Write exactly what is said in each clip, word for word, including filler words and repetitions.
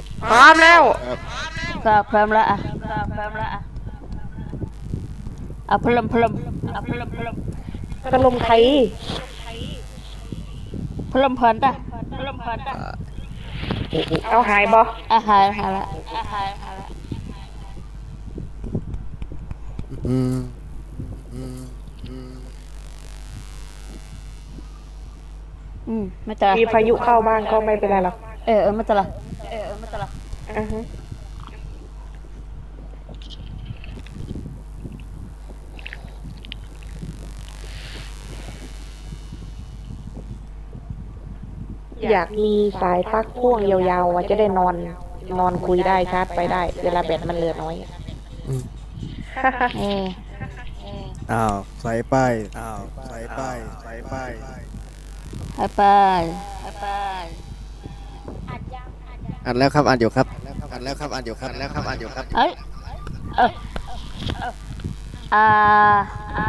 พร้อมแล้วก็พร้อมแล้วอ่ะก็พร้อมแล้วอ่ะเอาพลัมพลัมเอาพลัมพลัมพัดลมใครพลัมพันตะพลัมพันตะเอาหายบ่อาหายหายละอาหายหายละอืมอืมอืมอืมไม่ตะมีพายุเข้าบ้านก็ไม่เป็นไรหรอกเออเออไม่ตะละเออเออไม่ตะละอือฮึอยากมีสายปลั๊กพ่วงยาวๆจะได้นอนนอนคุยได้ชาร์จไปได้เวลาแบตมันเหลือน้อยอืมเอออ้าวใส่ป้ายอ้าวใส่ป้ายใส่ป้ายไปไปไปอัดแล้วครับอัดอยู่ครับอัดแล้วครับอัดอยู่ครับอัดแล้วครับอัดอยู่ครับเอ้ยเอออ่าอ่า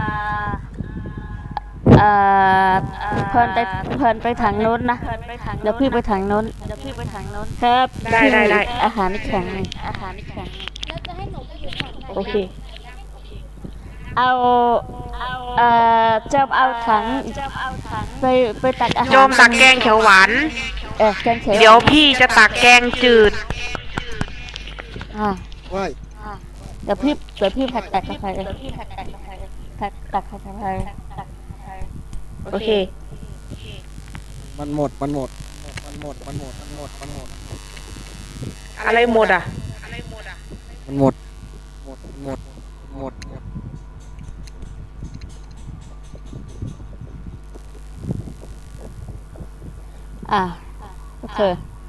อ่าเพลินไปเพลินไปทางโน้นนะเดี๋ยวพี่ไปทางโน้นเดี๋ยวพี่ไปทางโน้นครับได้ได้ได้อาหารนี่แข็งอาหารนี่แข็งโอเคเอาเอ่อจอมเอาถังไปไปตักอาหารโจมตักแกงเขียวหวานเออแกงเขียวเดี๋ยวพี่จะตักแกงจืดอ่าว้ายเดี๋ยวพี่เดี๋ยวพี่ผัดตักกาแฟเดี๋ยวพี่ผัดตักกาแฟผัดตักกาแฟโอเคมันหมดมันหมดมันหมดมันหมดมันหมดมันหมดอะไรหมดอ่ะมันหมดหมดหมดหมดหมดอ่าโอเค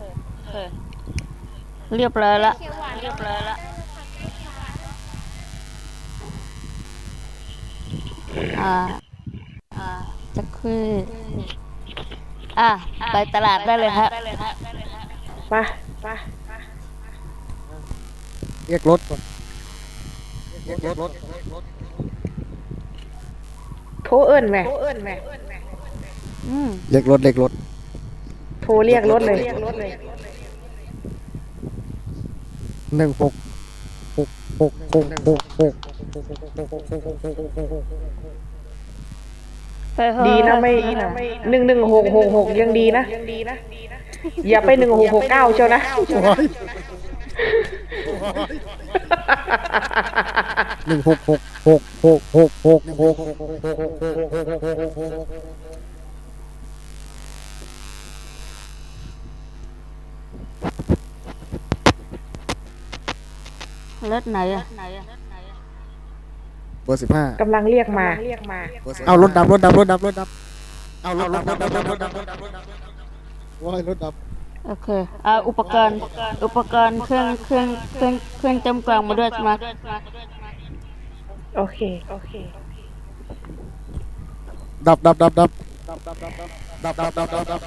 เรียบร้อยละเรียบร้อยละอ่าอ่าจะคืออ่ะไปตลาดได้เลยครับไปไปเรียกรถก่อนเรียกรถโทรเอิ้นแม่โทรเอิ้นแม่อืมเรียกรถเรียกรถโทรเรียกรถเลยหนึ่งหกหกหกหกหกหกดีนะไม่หนึ่งหนึ่งหกหกหกยังดีนะอย่าไปหนึ่งหกหกเก้าเชียวนะหนึ่งหกหกหกหกหกหกหกรถไหนอ่ะเบอร์สิบห้ากำลังเรียกมาเอารถดับรถดับรถดับรถดับเอารถดับรถดับรถดับรถดับว้ายรถดับโอเคเอาอุปกรณ์อุปกรณ์เครื่องเครื่องเครื่องเครื่องเต็มกล่องมาด้วยมาโอเคโอเคดับดับดับดับดับดับดับดับดับดับดับ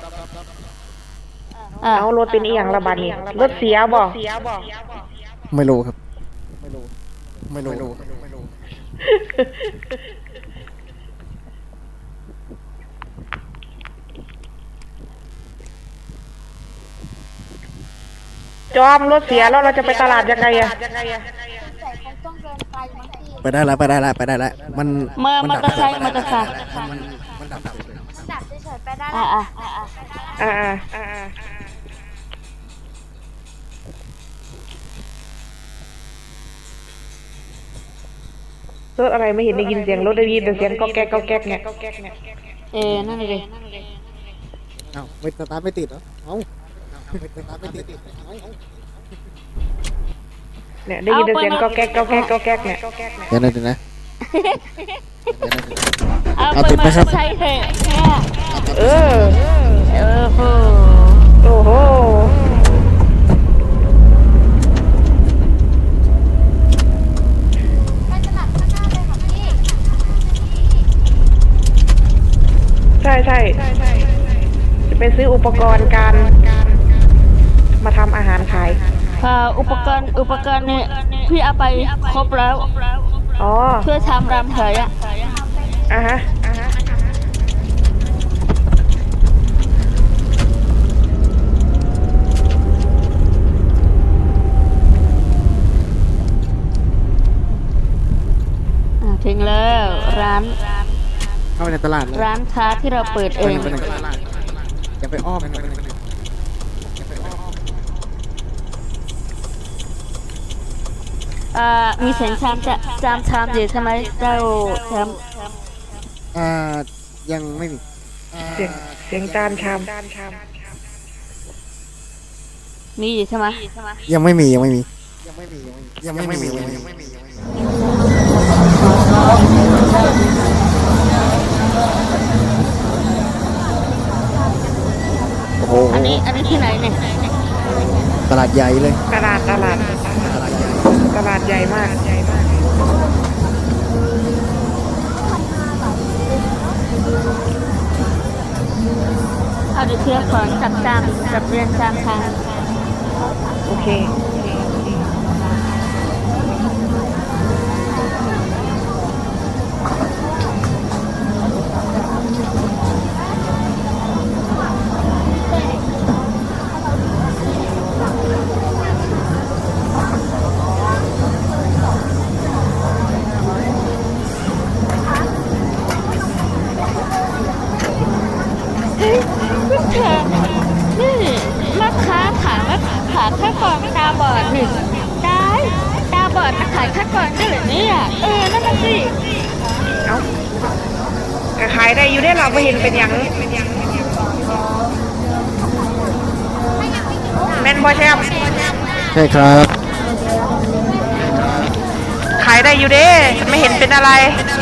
เอารถเป็นอีหยังระบาดนี่รถเสียบ่ไม่รู้ครับไม่รู้ไม่รู้จอมรถเสียแล้วเราจะไปตลาดยังไงอะไปได้แล้วไปได้แล้วไปได้แล้วมันมอเตอร์ไซค์มอเตอร์ไซค์มันดับดับเฉยๆไปได้อ่าอ่าอ่าอ่ารถอะไรไม่เห็นได้ยินเสียงรถได้ยินแต่เสียงก็แก๊กก็แก๊กเนี่ยเออนั่นเลยเอ้าไม่สตาร์ทไม่ติดเหรอเอ้าไม่สตาร์ทไม่ติดเนี่ยได้ยินแต่เสียงก็แก๊กก็แก๊กก็แก๊กเนี่ยเดี๋ยวนะเดี๋ยวนะเอาติดไหมครับใช่เถอะเออเออโหโอ้โหใช่ใช่จะไปซื้ออุปกรณ์การมาทำอาหารขายค่ะอุปกรณ์อุปกรณ์เนี่ยพี่เอาไปครบแล้วอ๋อเพื่อทำรำเถยอ่ะอ่ะฮะอ่ะฮะร้านเข้าไปในตลาดเลยร้านค้าที่เราเปิดเองไปไหนอย่าไปอ้อมไปไหนอย่าไปอ้อมเอ่อมีเสียงชามจะจามชามอยู่ใช่ไหมเจ้าแชมป์อ่ายังไม่มีเสียงเสียงจานชามมีอยู่ใช่ไหมยังไม่มียังไม่มียังไม่มียังไม่มียังไม่มีโอ้โหอันนี้อันนี้ที่ไหนเนี่ยตลาดใหญ่เลยตลาดตลาดตลาดใหญ่ตลาดใหญ่มากเอาเดี๋ยวเทียบของจับจามจับเรียนจามทางโอเคเฮ้ยคุณเธอนี่แม่ค้าขายแม่ขายข้าวกล่องตาบอดนี่ได้ตาบอดมาขายข้าวกล่องได้เหรือเนี่ยเออนั่นน่ะสิเอ้าก็ขายได้อยู่ได้เราไม่เห็นเป็นอย่างแม่นบ่แชมป์ใช่ครับขายได้อยู่เด้ฉันไม่เห็นเป็นอะไร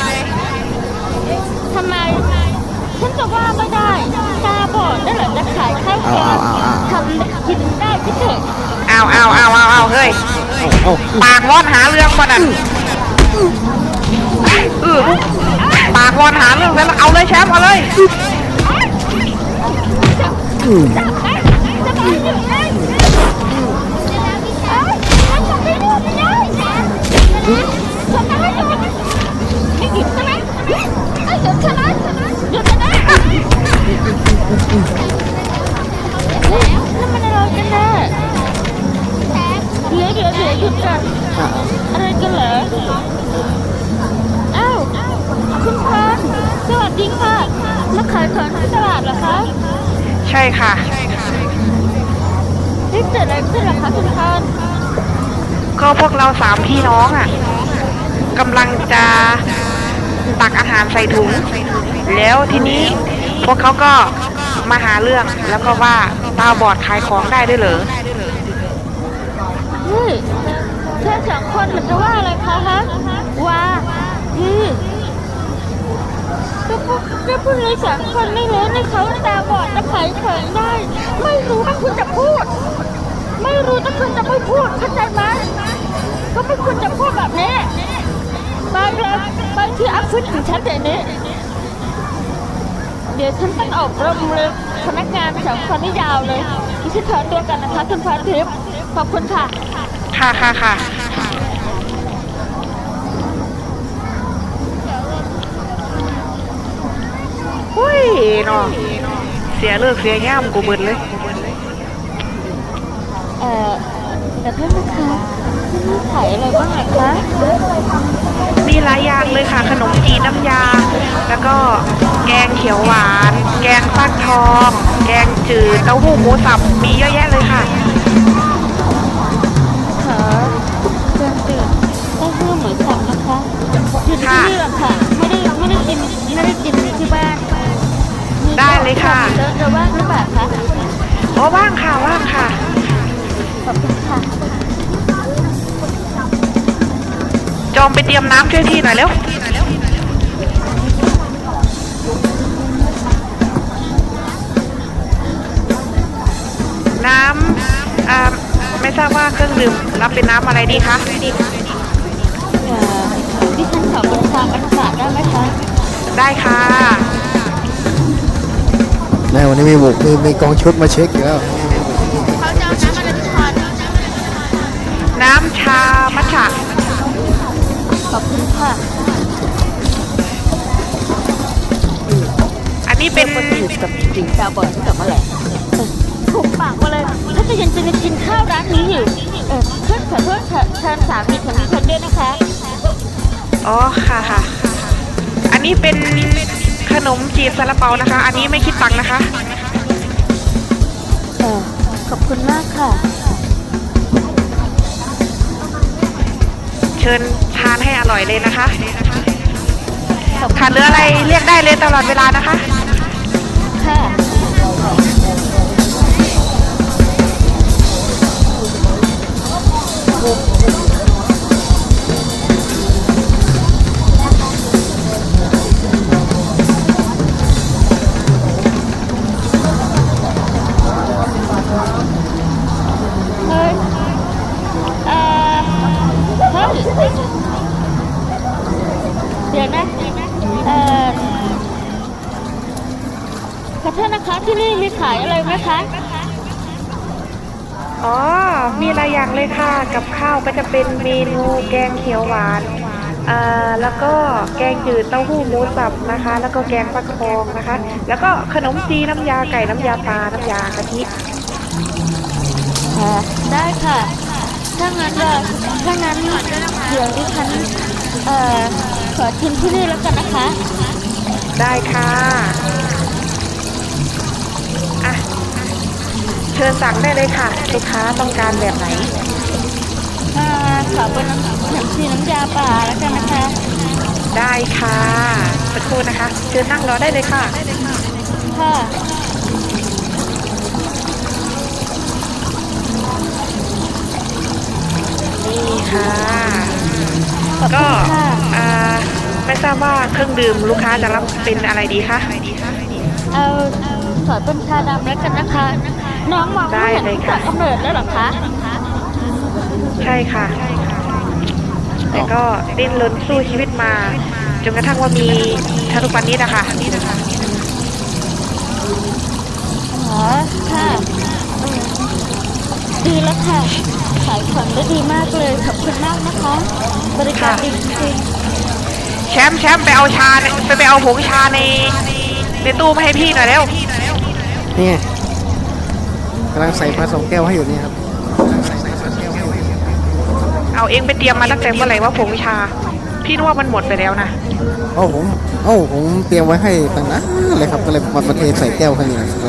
ทำไมฉันจะว่าไม่ได้ตาบอดได้เหรอจะขายข้าวกล่องทำกินได้ที่เถอะเอาเอาเอาเอาเอาเฮ้ยเอาปากร้อนหาเรื่องก่อนน่ะเออปากร้อนหาเรื่องแล้วเอาเลยแชมป์เอาเลยอืมจะมาอยู่ได้เอ้ยฉันจะไม่รู้ไม่ได้ฉันจะไม่อยู่ไม่หยุดใช่ไหมไอ้หยุดใช่ไหมหยุดใช่ไหมแล้วมันอะไรกันแน่เดี๋ยวเดี๋ยวเดี๋ยวหยุดก่อนอ่ะอะไรกันเหรออ้าวคุณพานสวัสดีค่ะมาขายของที่ตลาดเหรอคะใช่ค่ะนี่เกิดอะไรขึ้นเหรอคะคุณพานก็พวกเราสามพี่น้องอ่ะกำลังจะตักอาหารใส่ถุง แล้วทีนี้พวกเขาก็มาหาเรื่องแล้วก็ว่าตาบอดขายของได้ด้วยเหรอเฮ้ยเธอสองคนมันจะว่าอะไรคะฮะว่าอืมก็พวกก็พวกเราสองคนไม่รู้ในเขาตาบอดจะขายของได้ ไม่รู้ว่าคุณจะพูด ไม่รู้ถ้าคุณจะไม่พูดเข้าใจไหมก็ไม่ควรจะพูดแบบนี้ไปเลยไปที่ออฟฟิศของฉันเดี๋ยวนี้เดี๋ยวฉันต้องออกรมเลยพนักงานสองคนนี่ยาวเลยดิฉันขอตัวกันนะคะคุณพรทิพย์ขอบคุณค่ะค่ะค่ะค่ะหุ้ยเนาะเสียเลิกเสียย่ามกูเบิดเลยเอ่อแต่เพื่อนนะคะที่นี่ขายอะไรบ้างอะคะมีหลายอย่างเลยค่ะ ขนมจีนน้ำยา แล้วก็แกงเขียวหวาน แกงฟักทอง แกงจืดเต้าหู้หมูสับมีเยอะแยะเลยค่ะขอเชิญดื่มเต้าหู้หมูสับนะคะอยู่ที่นี่หรอกค่ะไม่ได้ไม่ได้กินไม่ได้กินที่บ้านได้เลยค่ะเจะจะว่างหรือเปล่าคะอ๋อว่างค่ะว่างค่ะขอบคุณค่ะจอมไปเตรียมน้ำช่วยพี่หน่อยเร็ว น้ำอ่าไม่ทราบว่าเครื่องดื่มรับเป็นน้ำอะไรดีคะเอ่อดิฉันขอเป็นชามอันสาได้ไหมคะได้ค่ะแม่วันนี้มีบุกมีมีกองชุดมาเช็คอยู่แล้วเขาจะเอาน้ำอะไรทุกคนน้ำชามัทฉะขอบคุณค่ะอันนี้เป็นอยู่กับจิงตาบอดกับอะไรถูกปากมาเลยถ้าจะยังจะมากินข้าวร้านนี้อยู่เออเพื่อนขอโทษค่ะแทนสามีของดิฉันด้วยนะคะอ๋อค่ะค่ะ อนี้เป็นขนมจีบซาลาเปานะคะ อันนี้ไม่คิดตังค์นะคะเออขอบคุณมากค่ะเชิญทานให้อร่อยเลยนะคะขอบคุณขาดเหลืออะไรเรียกได้เลยตลอดเวลานะคะค่ะ เฮ้ยเอ่อเฮ้ยเดี๋ยวนะเอ่อขอโทษนะคะที่นี่มีขายอะไรไหมคะอ๋อ มีหลายอย่างเลยค่ะ กับข้าวก็จะเป็นเมนูแกงเขียวหวานอ่าแล้วก็แกงจืดเต้าหู้หมูสับนะคะ แล้วก็แกงฟักทองนะคะ แล้วก็ขนมจีนน้ำยาไก่น้ำยาปลาน้ำยากะทิค่ะได้ค่ะ ถ้างั้นก็ถ้างั้นเดี๋ยวดิฉันเอ่อขอชิมที่นี่แล้วกันนะคะได้ค่ะอ่ะ เชิญสั่งได้เลยค่ะ ลูกค้าต้องการแบบไหนอ่าขอเป็นน้ำน้ำชีน้ำยาป่าแล้วกันนะคะได้ค่ะสักครู่นะคะ เชิญนั่งรอได้เลยค่ะค่ะนี่ค่ะขอบก็คุณค่ะอ่าไม่ทราบว่าเครื่องดื่มลูกค้าจะรับเป็นอะไรดีคะเอาขอเป็นชาดำแล้วกันนะคะ น้องมองไม่เห็นได้เลยจาค่ะกกำเนิดแล้วเหรอคะใช่ค่ะ แต่ก็ดิ้นรนสู้ชีวิตมาจนกระทั่งว่ามีทัทุกวันนี้นะคะอ๋อค่ะเออดีแล้วค่ะ ขายของได้ดีมากเลย ขอบคุณมากนะคะ บริการดีจริงแชมป์แชมป์ไปเอาชาในไปไปเอาผงชาในในตู้มาให้พี่หน่อยเร็วนี่ไงกำลังใส่ผสมแก้วให้อยู่นี่ครับเอาเองไปเตรียมมาตั้งแต่เมื่อไหร่ว่าผงชา พี่นึกว่ามันหมดไปแล้วนะโอ้ผมโอ้ผมเตรียมไว้ให้ตั้งนานเลยครับก็เลยมาเทใส่แก้วให้นี่นะครับ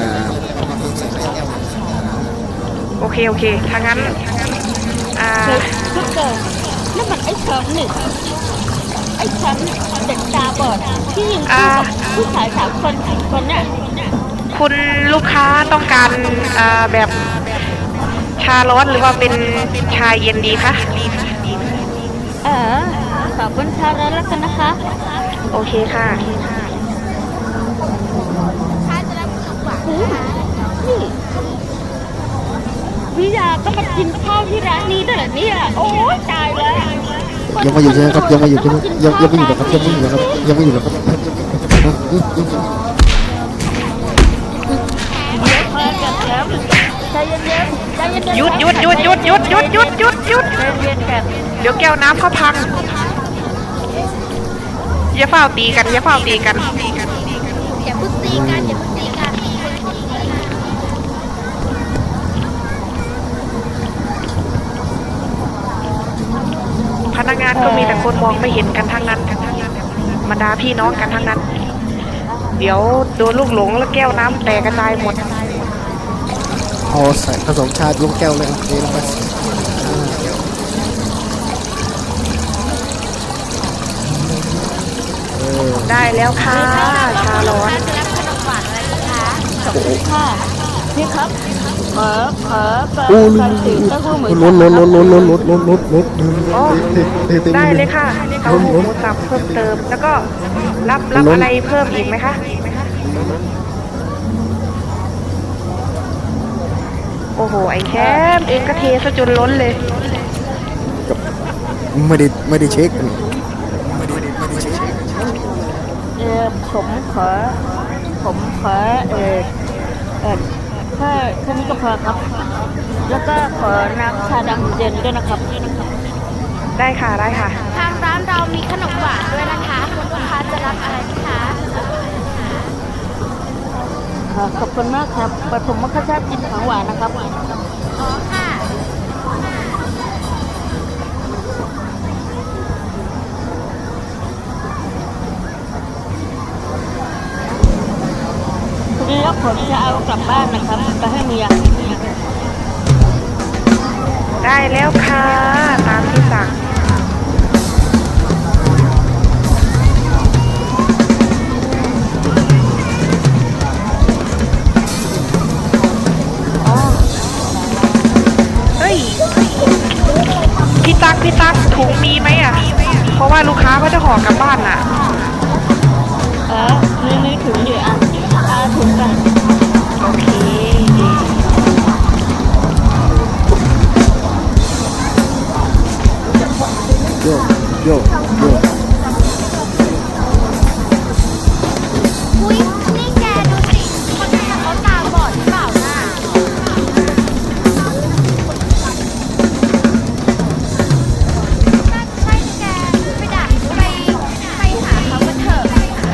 โอเคโอเคถ้างั้นอ่าๆเฮ้ยทุกคนนั่นมันไอ้แชมป์นี่ไอ้แชมป์เด็กตาบอดที่ยิงคู่กับผู้ชายสามคนสี่คนเนี่ยคุณลูกค้าต้องการอ่าแบบชาร้อนหรือว่าเป็นชาเย็นดีคะเออขอบคุณชาแล้วแล้วกันนะคะโอเคค่ะเฮ้ยนี่วิยาก็มากินข้าวที่ร้านนี้ด้วยเหรอเนี่ยโอ้ยตายแล้วยังไม่หยุดใช่ไหมครับยังไม่หยุดใช่ไหมยังยังไม่หยุดหรอกครับยังไม่หยุดหรอกครับยังไม่หยุดหรอกครับเดี๋ยวพอกันแล้วใจเย็นๆใจเย็นๆหยุดหยุดหยุดหยุดหยุดหยุดหยุดหยุดหยุดใจเย็นๆกันเดี๋ยวแก้วน้ำเขาพัง อย่าเฝ้าตีกัน อย่าเฝ้าตีกันอย่าพึ่งตีกันอย่าพึ่งตีกันพนักงานก็มีแต่คนมองไม่เห็นกันทั้งนั้นบรรดาพี่น้องกันทั้งนั้น เดี๋ยวโดนลูกหลงแล้วแก้วน้ำแตกกระจายหมดเอาใส่ผสมชาลูกแก้วเลยนี่ลงไปได้แล้วค่ะ ชาร้อนขอบคุณค่ะพี่ครับขอขอเปิดโอ้ไฟสีเต้าหู้หมูล้นล้นล้นล้นล้นล้นล้นล้นล้นอ๋อ ได้เลยค่ะเต้าหู้หมูสับเพิ่มเติม แล้วก็รับรับอะไรเพิ่มอีกไหมคะ โอ้โห ไอ้แคมเองก็เทซะจนล้นเลยไม่ได้ไม่ได้เช็คเออผมขอผมขอเออเออแค่แค่นี้ก็พอครับ แล้วก็ขอน้ำชาดำเย็นด้วยนะครับได้ค่ะ ได้ค่ะทางร้านเรามีขนมหวานด้วยนะคะคุณลูกค้าจะรับอะไรไหมคะค่ะขอบคุณมากครับแต่ผมไม่ค่อยชอบกินของหวานนะครับอ๋อค่ะคได้แล้วค่ะตามที่สั่งอ๋อเฮ้ยพี่ตักพี่ตักถุงมีไหมอ่ะเพราะว่าลูกค้าเขาจะห่อกลับบ้านน่ะเออนี่นี่ถุงอยู่อ่ะอาถุงกันโอเคโยกโยกโยกอุ้ยนี่แกดูสิ คนนี้เขาตาบอดหรือเปล่าน่ะน่าใช่แกไปด่าไปไปหาเขากันเถอะ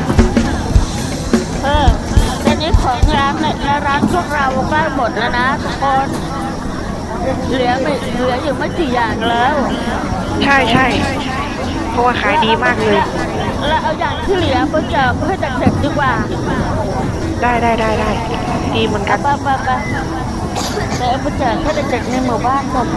เออตอนนี้ของร้านในร้านพวกเราใกล้หมดแล้วนะทุกคนเหลือไม่เหลืออยู่ไม่กี่อย่างแล้วใช่ใช่เพราะว่าขายดีมากเลยแล้วเอาอย่างที่เหลือไปแจกให้เด็กๆดีกว่าได้ได้ได้ได้ดีเหมือนกันไปไปไปเดี๋ยวเอาไปแจกให้เด็กๆในหมู่บ้านหมด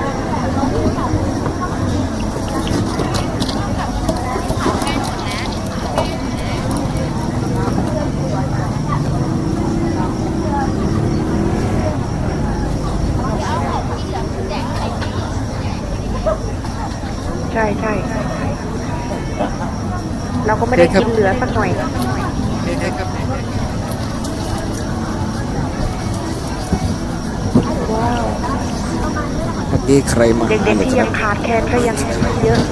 ใช่ใช่เราก็ไม่ได้กินเหลือสักหน่อยว้าวเมื่อกี้ใครมาเด็กๆที่ยังขาดแคลนก็ยังเยอะ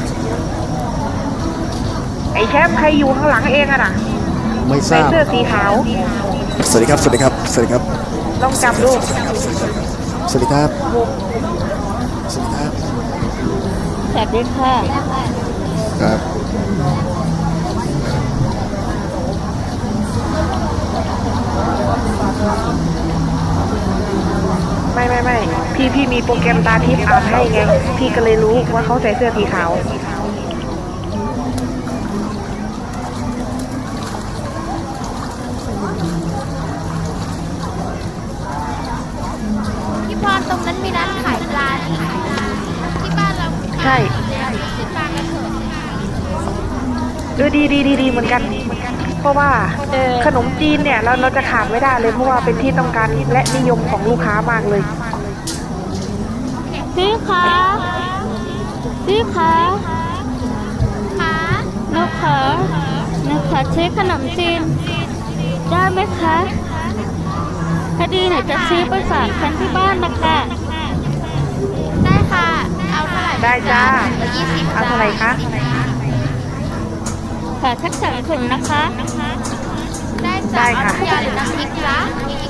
ไอ้แชมป์ใครอยู่ข้างหลังเองอะน่ะไม่ทใส่ราบเสื้อสีขาวสวัสดีครับสวัสดีครับสวัสดีครับลองจับดูสวัสดีครับสวัสดีครับสวัสดีค่ะครับไม่ไม่ไม่พี่พี่มีโปรแกรมตาทิพย์อ่านให้ไงพี่ก็เลยรู้ว่าเขาใส่เสื้อสีขาวพี่พรตรงนั้นมีร้านขายปลาที่บ้านเราใช่ซื้อปลากันเถอะเออดีดีดีดีเหมือนกัน เพราะว่าขนมจีนเนี่ยเราเราจะขาดไม่ได้เลยเพราะว่าเป็นที่ต้องการและนิยมของลูกค้ามากเลยพี่คะพี่คะค่ะหนูขอหนูขอซื้อขนมจีนได้ไหมคะพอดีหนูจะซื้อไปฝากคนที่บ้านนะคะได้ค่ะ เอาเท่าไหร่ได้จ้ายี่สิบเอาเท่าไหร่คะขอสักสองถุงนะคะได้ได้จ้าค่ะเอาน้ำยาหรือน้ำพริกจ๊ะ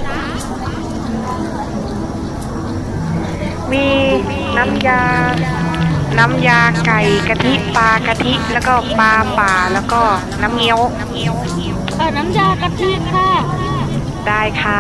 มีน้ำยา น้ำยาไก่กะทิปลากะทิแล้วก็ปลาป่าแล้วก็น้ำเงี้ยวขอน้ำยากะทิค่ะได้ค่ะ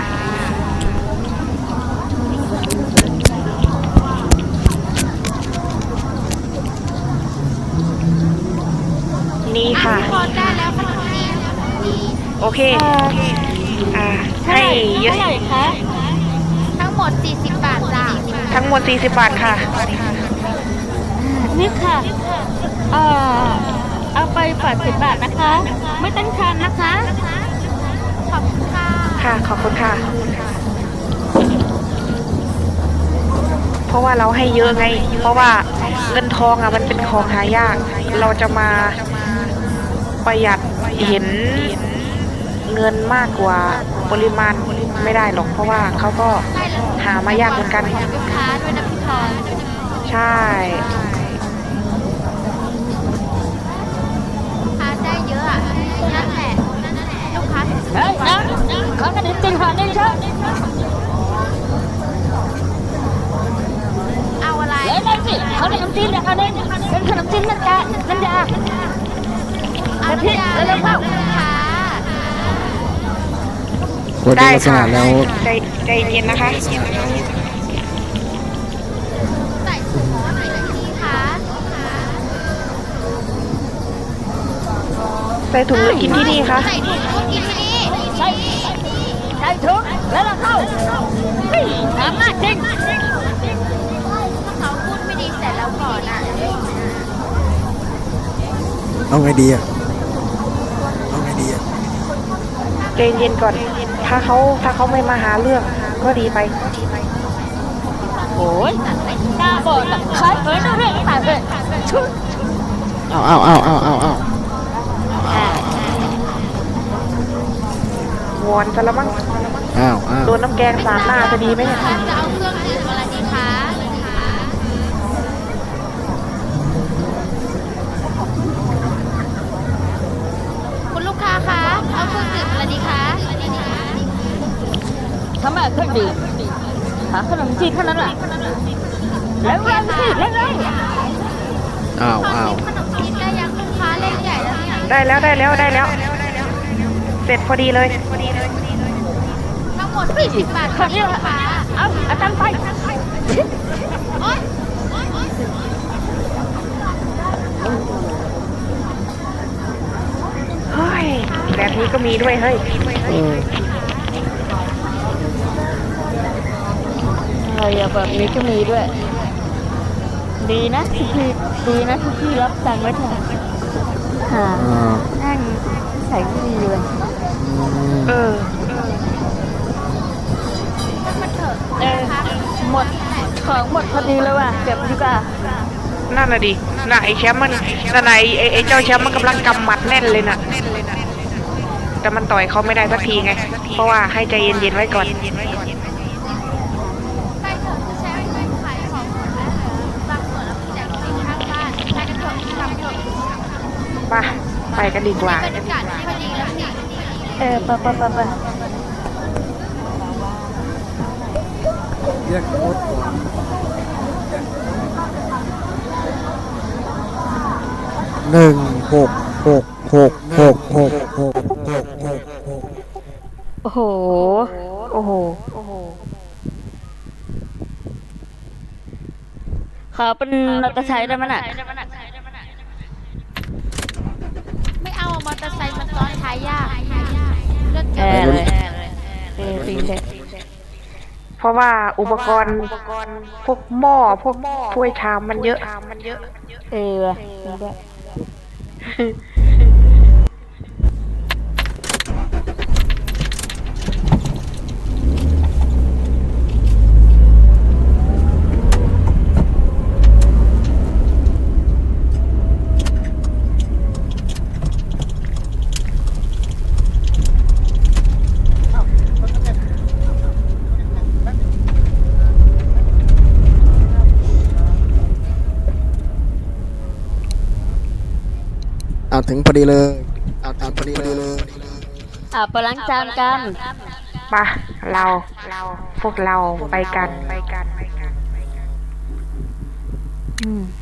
นี่ค่ะพี่พรได้แล้วขนมจีนโอเคเอ่ออ่าเท่าให้ไหร่เยอะเท่าไหร่คะทั้งหมดสี่สิบบาทจ้าทั้งหมดสี่สิบบาทค่ะนี่ค่ะเอ่อเอาไปแปดสิบบาทนะคะ ไม่ต้องทานนะคะขอบคุณค่ะค่ะ ขอบคุณค่ะ เพราะว่าเราให้เยอะไง เพราะว่าเงินทองอ่ะมันเป็นของหายาก เราจะมาประหยัดเห็นเงินมากกว่าปริมาณไม่ได้หรอก เพราะว่าเขาก็หามายากเหมือนกันลูกค้าด้วยนะพี่พรใช่ลูกค้าได้เยอะอ่ะนั่นแหละลูกค้าถึงซื้อเฮ้ยน้ำขอขนมจีนห่อหนึ่งครับเอาอะไรเดี๋ยวนั่นสิขอขนมจีนเดี๋ยวเอาหนึ่งเป็นขนมจีนน้ำตาลน้ำยาเอากะทิน้ำยาแล้วเราเข้าลูกค้าพอดูได้ลักษค่ะณะแล้วใจใจเย็นนะคะใส่ถุงใส่ที่คะใส่ถุงหรือกินที่นี่คะใส่ถุงกินที่นี่ใส่ใส่ถุงแล้วเราเข้าเฮ้ยสามารถจริงเขาพูเอาไงดีอะเอาไงดีอะใจเย็นก่อน ถ้าเขาถ้าเขาไม่มาหาเรื่องก็ดีไปโอ้ยตาบอดตะไคร้เอ้ยนั่นเรื่องตาเลยชุดเอาเอาเอาเอาเอาเอาวอนซะแล้วมั้งเอาเอาโดนน้ำแกงสาดหน้าจะดีไหมเนี่ยจะเอาเครื่องดื่มอะไรดีคะคุณลูกค้าคะเอาเครื่องดื่มอะไรดีคะทำไมเครื่องดื่มหาขนมจีนเท่านั้นแหละแล้วเร็วสิเร็วเร็วเอาขอเอากินขนมจีนได้ยังลูกค้าเล่นใหญ่แล้วเนี่ยได้แล้วได้แล้วได้แล้ว เสร็จพอดีเลยทั้งหมดสี่สิบบาทคค่ะนนี้ลูกค้าเอาเอาตังค์ไปโอ๊ยเฮ้ย แบบนี้ก็มีด้วยเฮ้ยเอออะไรอะแบบนี้ก็มีด้วย ดีนะที่พี่ดีนะที่พี่รับตังค์ไว้เถอะหาอ่านั่งใส่ไม่ดีเลยอืมเออมันเถอะเออหมดของหมดพอดีเลยว่ะเก็บดีกว่านั่นน่ะดิน่ะไอ้แชมป์มันนั่นน่ะไอ้ไอ้ไอ้เจ้าแชมป์มันกำลังกำหมัดแน่นเลยน่ะ แต่มันต่อยเขาไม่ได้สักทีไง เพราะว่าให้ใจเย็นๆไว้ก่อนไปเถอะจะใช้เงินขายของหมดแล้วเหรอบางส่วนเอาไปแจกคนข้างบ้านไปกันเถอะทำเถอะไปไปกันดีกว่าบรรยากาศที่พอดีแล้วนี่เออไปไปไปไปเรียกรถก่อนหนึ่งหกหกหกหกหกหกหกหกหกโอ้โหโอ้โห โอ้โหขอเป็นมอเตอร์ไซค์ได้ไหมน่ะไม่เอามอเตอร์ไซค์มันซ้อนท้ายยากเลือกแอเกินร์เลยเออจริงเลยเพราะว่าอุปกรณ์พวกหม้อพวกถ้วยชามมันเยอะเออว่ะจริงด้วยเอาถึงพอดีเลยเอาถึงพอดีเลยอ่ะไปล้างจานกันมา เรา เรา พวกเราไปกัน ไปกันอืม